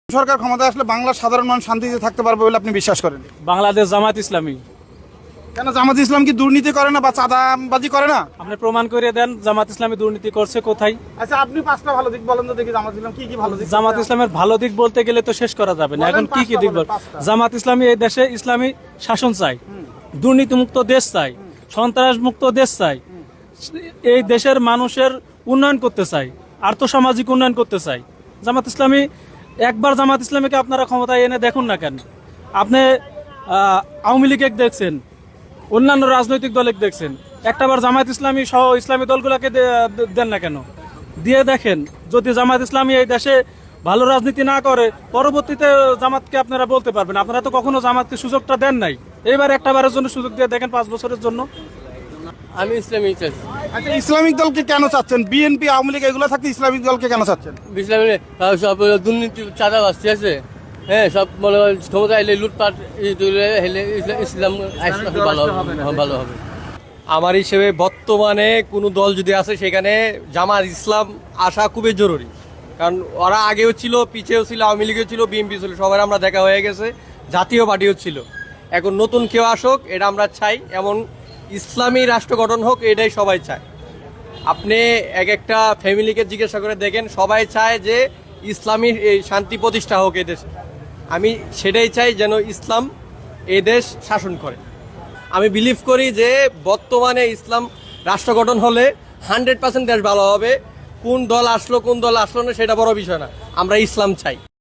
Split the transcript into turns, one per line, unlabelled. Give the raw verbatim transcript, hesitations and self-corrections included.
সরকার ক্ষমতায় আসলে বাংলার সাধারণ মানুষ শান্তিতে থাকতে পারবে বলে আপনি বিশ্বাস করেন?
বাংলাদেশ জামাত ইসলামী।
কেন জামাত ইসলাম কি দুর্নীতি করে না বা চাঁদাবাজি করে না?
আপনি প্রমাণ করে দেন জামাত ইসলামী দুর্নীতি করছে কোথায়?
আচ্ছা, আপনি পাঁচটা ভালো দিক বলেন তো দেখি, জামাত ইসলাম কি কি ভালো দিক?
জামাত ইসলামের ভালো দিক বলতে গেলে তো শেষ করা যাবে না।
বলেন
এখন কি কি
পাঁচটা
দিক
বলেন,
বল?
পাঁচটা।
জামাত ইসলামী এই দেশে ইসলামী শাসন চাই, দুর্নীতিমুক্ত দেশ চাই, সন্ত্রাস মুক্ত দেশ চাই, এই দেশের মানুষের উন্নয়ন করতে চাই, আর্থসামাজিক উন্নয়ন করতে চাই। জামাত ইসলামী একবার জামাত ইসলামীকে আপনারা ক্ষমতায় এনে দেখুন না কেন? আপনি আহ, আওয়ামী লীগে দেখছেন, অন্যান্য রাজনৈতিক দলে দেখছেন, একটাবার জামাত ইসলামী সহ ইসলামী দলগুলোকে দে- দেন না কেন? দিয়ে দেখেন, যদি জামাত ইসলামী এই দেশে ভালো রাজনীতি না করে পরবর্তীতে জামাতকে আপনারা বলতে পারবেন আপনারা তো কখনো জামাতকে সুযোগটা দেন নাই। এবার একটা বারের জন্য সুযোগ দিয়ে দেখেন, পাঁচ বছরের জন্য।
আমি ইসলামিক চাচ্ছি।
আচ্ছা, ইসলামিক দলকে কেন চাচ্ছেন? বিএনপি আওয়ামী লীগ এগুলো থাকতে ইসলামিক দলকে কেন চাচ্ছেন?
ইসলামী সব দুর্নীতি চাঁদাবাজ, ঠিক আছে, হ্যাঁ, সব মনে হয় ক্ষমতা এলে লুটপাট হেলে ইসলাম আসলে ভালো হবে, হ্যাঁ, ভালো হবে।
আমার হিসেবে বর্তমানে কোনো দল যদি আছে সেখানে জামাত ইসলাম আসা খুবই জরুরি। কারণ ওরা আগেও ছিল, পিছেও ছিল, আওয়ামী লীগও ছিল, বিএনপি ছিল, সবার আমরা দেখা হয়ে গেছে, জাতীয় পার্টিও ছিল। এখন নতুন কেউ আসুক, এটা আমরা চাই। এমন ইসলামী রাষ্ট্র গঠন হোক, এটাই সবাই চায়। আপনি এক একটা ফ্যামিলিকে জিজ্ঞাসা করে দেখেন, সবাই চায় যে ইসলামী এই শান্তি প্রতিষ্ঠা হোক এদেশে। আমি সেটাই চাই, যেন ইসলাম এই দেশ শাসন করে। আমি বিলিভ করি যে বর্তমানে ইসলাম রাষ্ট্র গঠন হলে হান্ড্রেড পার্সেন্ট দেশ ভালো হবে। কোন দল আসলো কোন দল আসলো না সেটা বড় বিষয় না, আমরা ইসলাম চাই।